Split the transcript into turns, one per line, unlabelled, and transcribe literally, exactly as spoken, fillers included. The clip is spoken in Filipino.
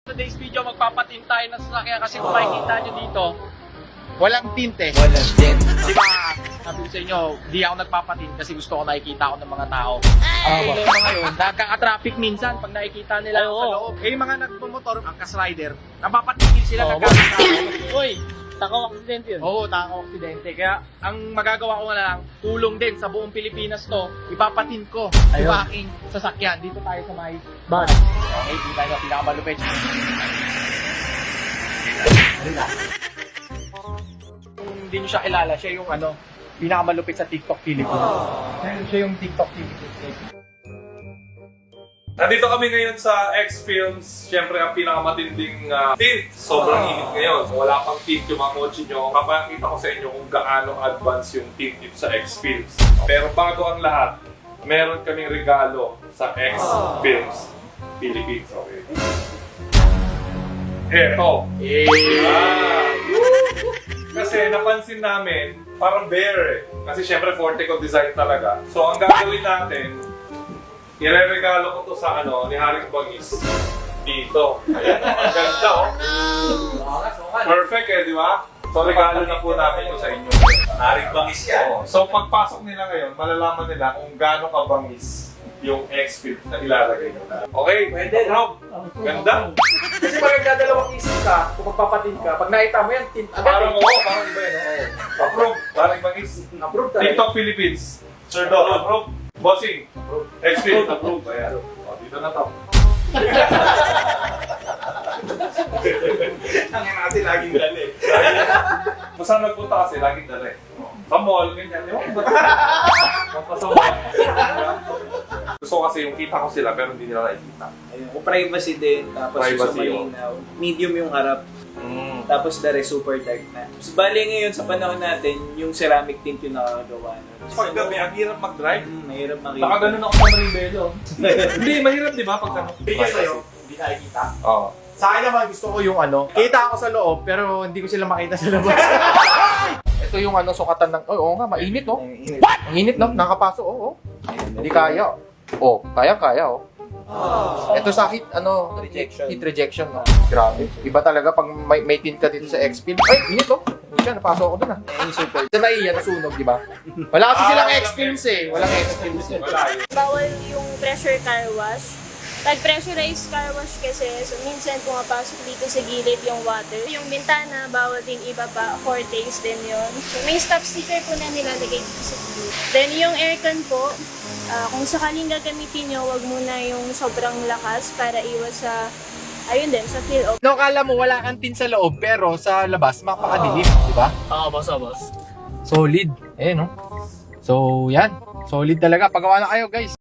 Today's video, magpapatint tayo ng sasakyan kasi kung makikita nyo dito, walang tint eh.
Walang tint.
Di ba, sabi ko sa inyo, di ako nagpapatint kasi gusto ko nakikita ako ng mga tao. Ang
Ah,
problema ngayon, nagkaka-traffic minsan pag nakikita nila ako
Oo.
sa loob. Eh, yung mga nagmumotor, ang kas-rider, napapatigil sila
Oo,
nagkakita.
Uy, takaw aksidente yun.
Oo, takaw aksidente. Kaya ang magagawa ko na lang, tulong din sa buong Pilipinas to, ipapatint ko
Ayun.
yung aking sasakyan. Dito tayo sa may
Bad.
Okay, dito tayo sa pinakamalupit. Kung hindi nyo siya kilala, siya yung ano, pinakamalupit sa TikTok Philippines. Siya- Siya yung TikTok Philippines.
Nandito kami ngayon sa X-Films. Siyempre, ang pinakamatinding uh, tint. Sobrang init ngayon. So, wala pang tint yung mga kotse nyo. Papakita ko sa inyo kung gaano advance yung tint dito sa X-Films. Pero bago ang lahat, meron kaming regalo sa X-Films Philippines. Okay. Eto. Ah. Kasi napansin namin, parang bear eh. Kasi syempre forte ko design talaga. So ang gagawin natin, ireregalo ko to sa ano, ni Haring Bangis. Dito. Ayan, ang ganda oh. Perfect eh, di ba? So regalo na po namin ito sa inyo.
Haring Bangis yan.
Oo. So pagpasok nila ngayon, malalaman nila kung gaano kabangis yung X-Fit na ilalagay nila. Okay?
Pwede,
Rob. Ganda.
Kasi pag nagdadalawang isip ka, kung magpapatint ka, pag nakita mo yan, tint agad
Parang
eh.
oo, parang iba yun. Oo. Approve. Haring Bangis.
Approve talaga.
TikTok Philippines. Sir Dog, approve. Bossing. X-Fit, approve. Ayan. O, dito na to.
Ang natin laging dali.
Kung saan nagpunta kasi, laging dala eh. Sa mall, ganyan. Yung Magpasama. Gusto ko kasi yung kita ko sila pero hindi nila nakikita.
Ayun, kung privacy din, tapos
Privacy,
yung malinaw. Medium yung harap,
Mm.
tapos the rest super dark na. So, bali ngayon sa panahon natin, yung ceramic tint yung nakakagawa. No?
Pag gabi, ang hirap mag-drive.
Hmm, mahirap makita.
Nakaganon ako sa Maribelo. Hindi, mahirap di ba? Pag ano?
Bigyan sa'yo, hindi nakikita.
Oo.
Sa akin naman, gusto ko yung ano, kita ako sa loob, pero hindi ko sila makita sa labas. Ito yung ano, sukatan ng, oh, oo nga, mainit, no? Ang init, no? Nakapasok, oo. Oh, hindi kaya. Oh, kaya, kaya, oh. Ito sa heat, ano,
Rejection.
heat rejection, no? Grabe. Iba talaga pag may, may tint ka dito sa X-Film. Ay, init, no? Hindi siya, napasok ako dun, ah.
Yung super
Sa naiya, nasunog, di ba? Wala kasi
Ah,
silang
walang
X-Films eh. Walang X-Films eh.
Wala yun.
Bawal yung pressure car wash. Pag pressurized car wash kasi, so minsan pumapasok dito sa gilid yung water. Yung bintana, bawal din iba pa, four days din yon. So may stop sticker po na nilalagay dito sa gilid. Then yung aircon po, ah, kung sakaling gagamitin nyo, wag muna yung sobrang lakas para iwas sa, ayun din, sa feel of.
No, kala mo wala kang tint sa loob, pero sa labas, mapakadilim, di ba?
Oo, boss, oo, boss.
Solid. Eh, no? So, yan. Solid talaga. Pagawa na kayo, guys.